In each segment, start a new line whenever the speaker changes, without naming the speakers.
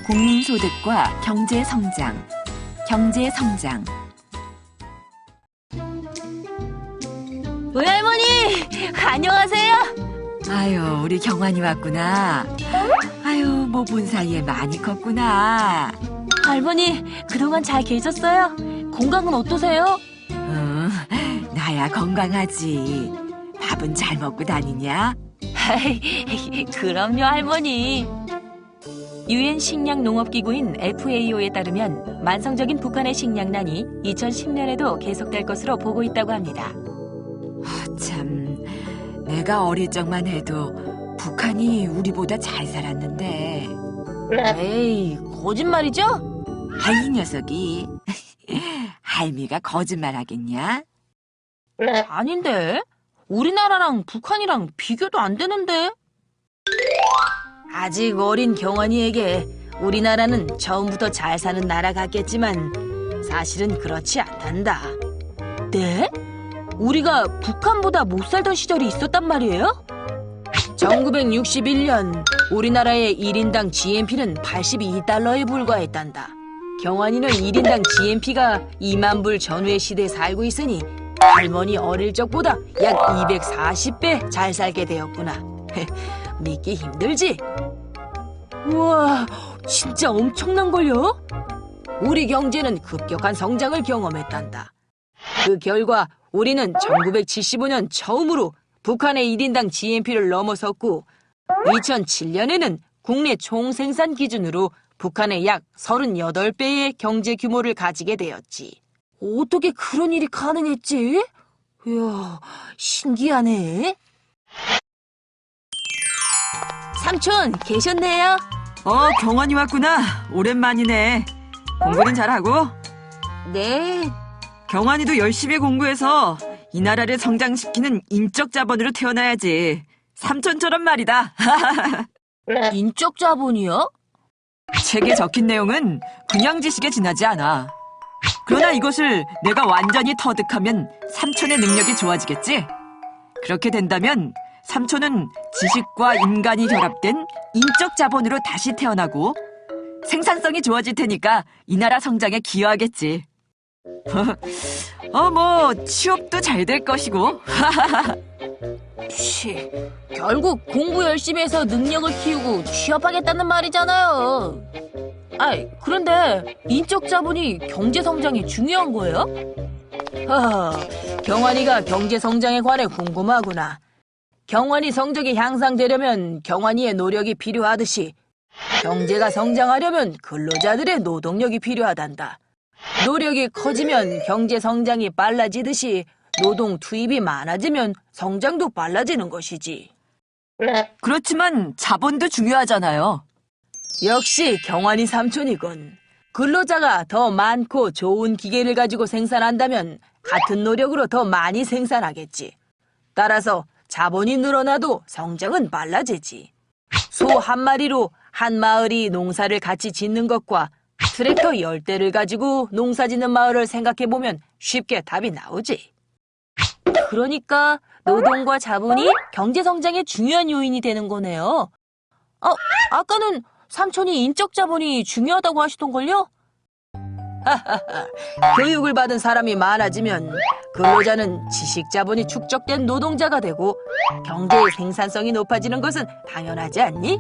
국민소득과 경제성장, 경제성장.
우리 할머니, 안녕하세요.
아유, 우리 경환이 왔구나. 아유, 뭐 본 사이에 많이 컸구나.
할머니, 그동안 잘 계셨어요? 건강은 어떠세요?
나야 건강하지. 밥은 잘 먹고 다니냐?
그럼요, 할머니. 유엔 식량농업기구인 FAO에 따르면 만성적인 북한의 식량난이 2010년에도 계속될 것으로 보고 있다고 합니다.
참, 내가 어릴 적만 해도 북한이 우리보다 잘 살았는데.
에이, 거짓말이죠?
이 녀석이. 할미가 거짓말 하겠냐?
아닌데. 우리나라랑 북한이랑 비교도 안 되는데. 아직 어린 경환이에게 우리나라는 처음부터 잘 사는 나라 같겠지만 사실은 그렇지 않단다. 네? 우리가 북한보다 못 살던 시절이 있었단 말이에요? 1961년 우리나라의 1인당 GNP는 82달러에 불과했단다. 경환이는 1인당 GNP가 2만 불 전후의 시대에 살고 있으니 할머니 어릴 적보다 약 240배 잘 살게 되었구나. 믿기 힘들지? 우와, 진짜 엄청난걸요? 우리 경제는 급격한 성장을 경험했단다. 그 결과 우리는 1975년 처음으로 북한의 1인당 GNP를 넘어섰고 2007년에는 국내 총생산 기준으로 북한의 약 38배의 경제 규모를 가지게 되었지. 어떻게 그런 일이 가능했지? 이야, 신기하네. 삼촌, 계셨네요?
경환이 왔구나. 오랜만이네. 공부는 잘하고?
네.
경환이도 열심히 공부해서 이 나라를 성장시키는 인적 자본으로 태어나야지. 삼촌처럼 말이다.
인적 자본이요?
책에 적힌 내용은 그냥 지식에 지나지 않아. 그러나 이것을 내가 완전히 터득하면 삼촌의 능력이 좋아지겠지? 그렇게 된다면 삼촌은 지식과 인간이 결합된 인적 자본으로 다시 태어나고 생산성이 좋아질 테니까 이 나라 성장에 기여하겠지. 취업도 잘 될 것이고.
결국 공부 열심히 해서 능력을 키우고 취업하겠다는 말이잖아요. 그런데 인적 자본이 경제 성장에 중요한 거예요? 경환이가 경제 성장에 관해 궁금하구나. 경환이 성적이 향상되려면 경환이의 노력이 필요하듯이 경제가 성장하려면 근로자들의 노동력이 필요하단다. 노력이 커지면 경제 성장이 빨라지듯이 노동 투입이 많아지면 성장도 빨라지는 것이지.
그렇지만 자본도 중요하잖아요.
역시 경환이 삼촌이군. 근로자가 더 많고 좋은 기계를 가지고 생산한다면 같은 노력으로 더 많이 생산하겠지. 따라서 자본이 늘어나도 성장은 빨라지지. 소 한 마리로 한 마을이 농사를 같이 짓는 것과 트랙터 10대를 가지고 농사 짓는 마을을 생각해보면 쉽게 답이 나오지. 그러니까 노동과 자본이 경제 성장의 중요한 요인이 되는 거네요. 아까는 삼촌이 인적 자본이 중요하다고 하시던걸요? 교육을 받은 사람이 많아지면 근로자는 지식 자본이 축적된 노동자가 되고 경제의 생산성이 높아지는 것은 당연하지 않니?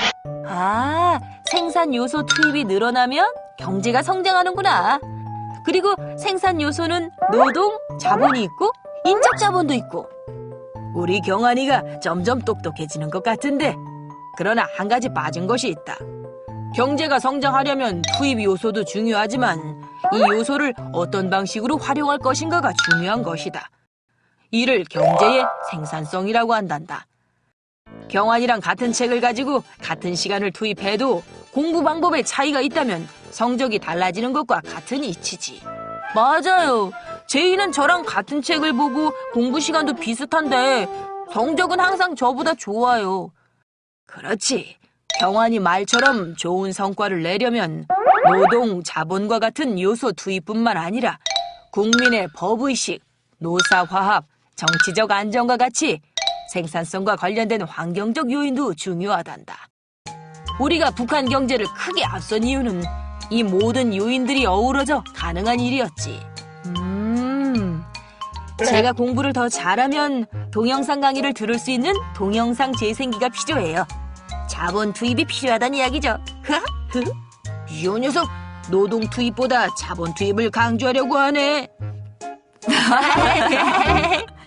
생산 요소 투입이 늘어나면 경제가 성장하는구나. 그리고 생산 요소는 노동, 자본이 있고 인적 자본도 있고. 우리 경환이가 점점 똑똑해지는 것 같은데 그러나 한 가지 빠진 것이 있다. 경제가 성장하려면 투입 요소도 중요하지만 이 요소를 어떤 방식으로 활용할 것인가가 중요한 것이다. 이를 경제의 생산성이라고 한단다. 경환이랑 같은 책을 가지고 같은 시간을 투입해도 공부 방법에 차이가 있다면 성적이 달라지는 것과 같은 이치지. 맞아요. 제이는 저랑 같은 책을 보고 공부 시간도 비슷한데 성적은 항상 저보다 좋아요. 그렇지. 경환이 말처럼 좋은 성과를 내려면 노동, 자본과 같은 요소 투입뿐만 아니라 국민의 법의식, 노사화합, 정치적 안정과 같이 생산성과 관련된 환경적 요인도 중요하단다. 우리가 북한 경제를 크게 앞선 이유는 이 모든 요인들이 어우러져 가능한 일이었지. 제가 공부를 더 잘하면 동영상 강의를 들을 수 있는 동영상 재생기가 필요해요. 자본 투입이 필요하단 이야기죠. 이 녀석 노동 투입보다 자본 투입을 강조하려고 하네.